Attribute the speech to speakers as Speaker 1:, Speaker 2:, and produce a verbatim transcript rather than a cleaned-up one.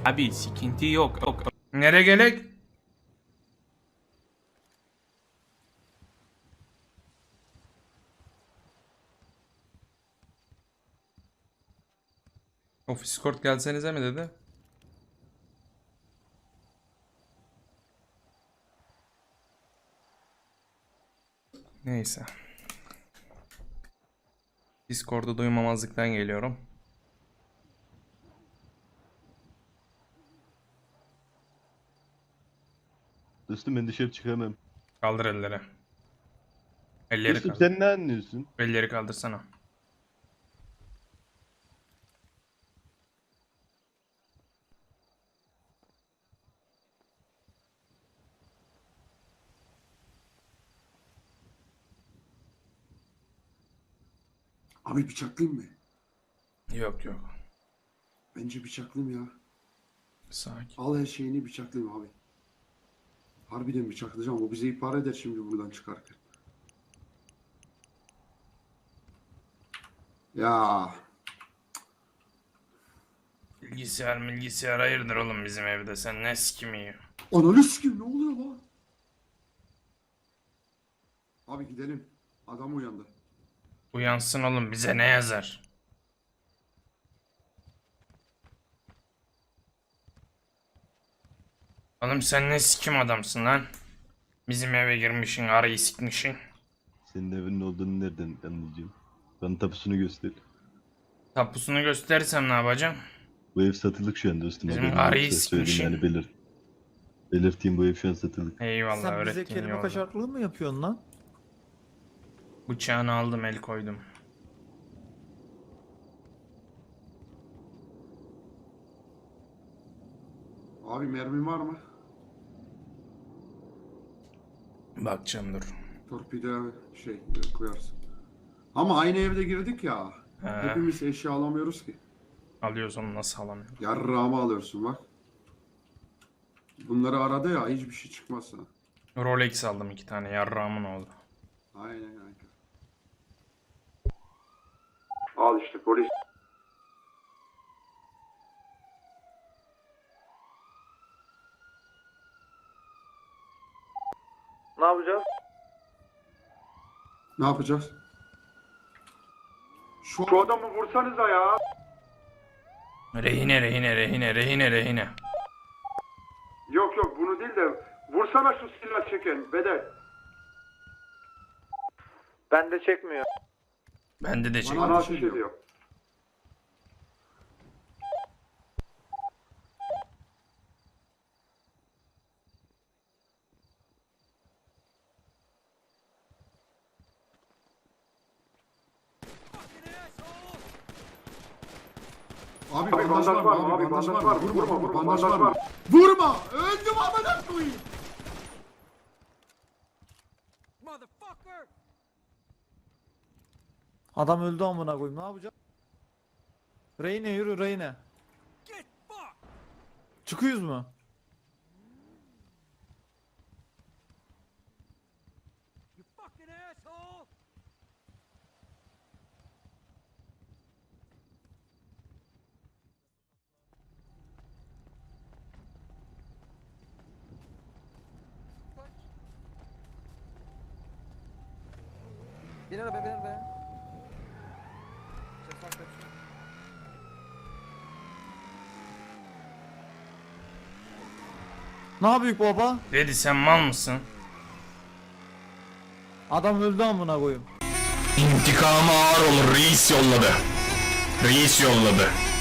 Speaker 1: Abi sıkıntı yok. yok. Nereye gerek? Ofis kort gelsenize mi dedi? Neyse. Discord'u duymamazlıktan geliyorum.
Speaker 2: Dostum ben dışarı çıkamam.
Speaker 1: Kaldır elleri. Elleri
Speaker 2: Dostum
Speaker 1: kaldır.
Speaker 2: sen ne anlıyorsun?
Speaker 1: Elleri kaldırsana.
Speaker 3: Abi bıçaklayayım mı?
Speaker 1: Yok yok.
Speaker 3: Bence bıçaklayayım ya.
Speaker 1: Sakin.
Speaker 3: Al her şeyini bıçaklayayım abi. Harbiden bıçaklayacağım. O bize ihbar eder şimdi buradan çıkarken. Ya
Speaker 1: Bilgisayar bilgisayar hayırdır oğlum bizim evde, sen ne sikimi yiyor?
Speaker 3: ananı sikeyim, ne oluyor lan? Abi gidelim. Adam uyandı.
Speaker 1: Uyansın oğlum, bize ne yazar? Oğlum sen ne sikim adamsın lan? Bizim eve girmişsin, arayı sikmişsin.
Speaker 2: Senin evinin olduğunu nereden anlayacağım? Bana tapusunu göster.
Speaker 1: Tapusunu gösterirsem ne yapacağım?
Speaker 2: Bu ev satılık şu an dostum.
Speaker 1: Bizim
Speaker 2: haberin
Speaker 1: arayı
Speaker 2: yoksa söyleyeyim
Speaker 1: sikmişim.
Speaker 2: yani belir. Belirteyim, bu ev şu an satılık.
Speaker 1: Eyvallah,
Speaker 4: Sen bize
Speaker 1: öğrettiğin
Speaker 4: kelime
Speaker 1: yolda.
Speaker 4: kaçaklığı mı yapıyorsun lan?
Speaker 1: Bıçağını aldım, el koydum.
Speaker 3: Abi mermin var mı?
Speaker 1: Bakacağım dur.
Speaker 3: Torpido şey koyarsın. Ama aynı evde girdik ya.
Speaker 1: He.
Speaker 3: Hepimiz eşya alamıyoruz ki.
Speaker 1: Alıyoruz onu, nasıl alamıyorum?
Speaker 3: Yarrağımı alıyorsun bak. Bunları aradı ya, hiçbir şey çıkmazsa.
Speaker 1: Rolex aldım iki tane, yarrağımın oldu.
Speaker 3: Aynen aynen. Al işte polis.
Speaker 4: Ne yapacağız?
Speaker 3: Ne yapacağız? Şu, Şu adamı vursanıza ya.
Speaker 1: Rehine rehine rehine rehine rehine.
Speaker 3: Yok yok, bunu değil de vursana şu silah çeken bedel.
Speaker 4: Bende çekmiyor.
Speaker 1: Bende de çek.
Speaker 3: Bana ateş ediyor. Abi, abi bandaj var mı? Abi bandaj var mı? Vurma vurma, bandaj var mı? Vurma! Öldüm amına koyayım.
Speaker 4: Adam öldü amına koyayım. Ne yapacağız? Reyne yürü Reyne. Çıkıyoruz mu?
Speaker 5: Bin arabaya bin arabaya.
Speaker 4: Ne yapıyor baba?
Speaker 1: Dedi sen mal mısın?
Speaker 4: Adam öldü amına koyayım.
Speaker 1: İntikamı ağır olur, reis yolladı. Reis yolladı.